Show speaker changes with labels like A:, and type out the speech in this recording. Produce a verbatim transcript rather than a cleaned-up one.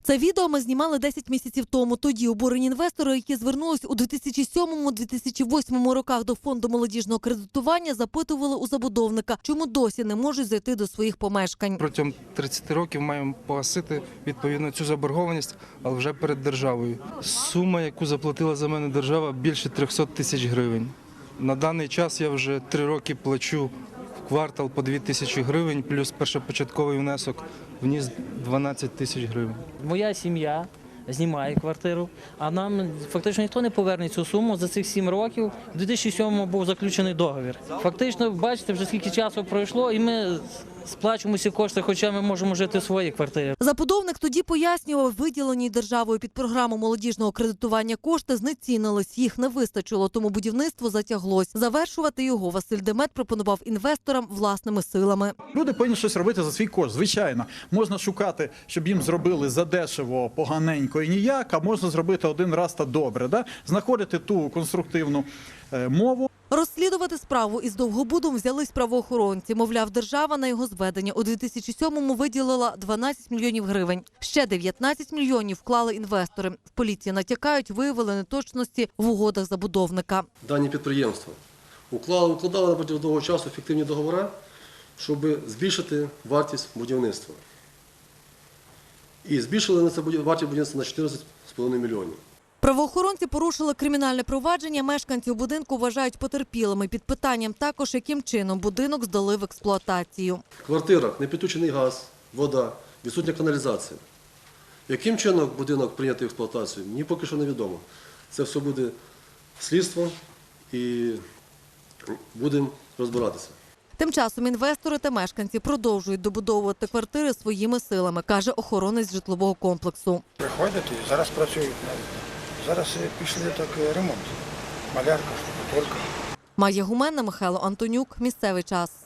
A: Це відео ми знімали десять місяців тому. Тоді обурені інвестори, які звернулись у дві тисячі сьомому - дві тисячі восьмому роках до фонду молодіжного кредитування, запитували у забудовника, чому досі не можуть зайти до своїх помешкань.
B: Протягом тридцяти років маємо погасити відповідно цю заборгованість, але вже перед державою. Сума, яку заплатила за мене держава, більше трьохсот тисяч гривень. На даний час я вже три роки плачу в квартал по дві тисячі гривень, плюс першопочатковий внесок вніс дванадцять тисяч гривень.
C: Моя сім'я знімає квартиру, а нам фактично ніхто не поверне цю суму за цих сім років. У дві тисячі сьомому був заключений договір. Фактично, бачите, вже скільки часу пройшло, і ми сплачуємо ці кошти, хоча ми можемо жити в своїй квартирі.
A: Забудовник тоді пояснював, виділені державою під програму молодіжного кредитування кошти знецінились, їх не вистачило, тому будівництво затяглось. Завершувати його Василь Демет пропонував інвесторам власними силами.
D: Люди повинні щось робити за свій кошт. Звичайно, можна шукати, щоб їм зробили задешево, поганенько і ніяк, а можна зробити один раз та добре. Да? Знаходити ту конструктивну е, мову.
A: Розслідувати справу із Довгобудом взялись правоохоронці. Мовляв, держава на його зведення у дві тисячі сьомому виділила дванадцять мільйонів гривень. Ще дев'ятнадцять мільйонів вклали інвестори. В поліції натякають, виявили неточності в угодах забудовника.
E: Дані підприємства уклали, укладали на протягом довгого часу фіктивні договори, щоб збільшити вартість будівництва. І збільшили на це вартість будівництва на чотирнадцять з половиною мільйонів.
A: Правоохоронці порушили кримінальне провадження. Мешканців будинку вважають потерпілими. Під питанням також, яким чином будинок здали в експлуатацію.
E: В квартирах не підключений газ, вода, відсутня каналізація. Яким чином будинок прийнятий в експлуатацію, мені поки що невідомо. Це все буде слідство і будемо розбиратися.
A: Тим часом інвестори та мешканці продовжують добудовувати квартири своїми силами, каже охоронець житлового комплексу.
F: Приходять і зараз працюють навіть. Зараз пішли так ремонт. Малярка, штукатурка.
A: Майя Гуменна, Михайло Антонюк. Місцевий час.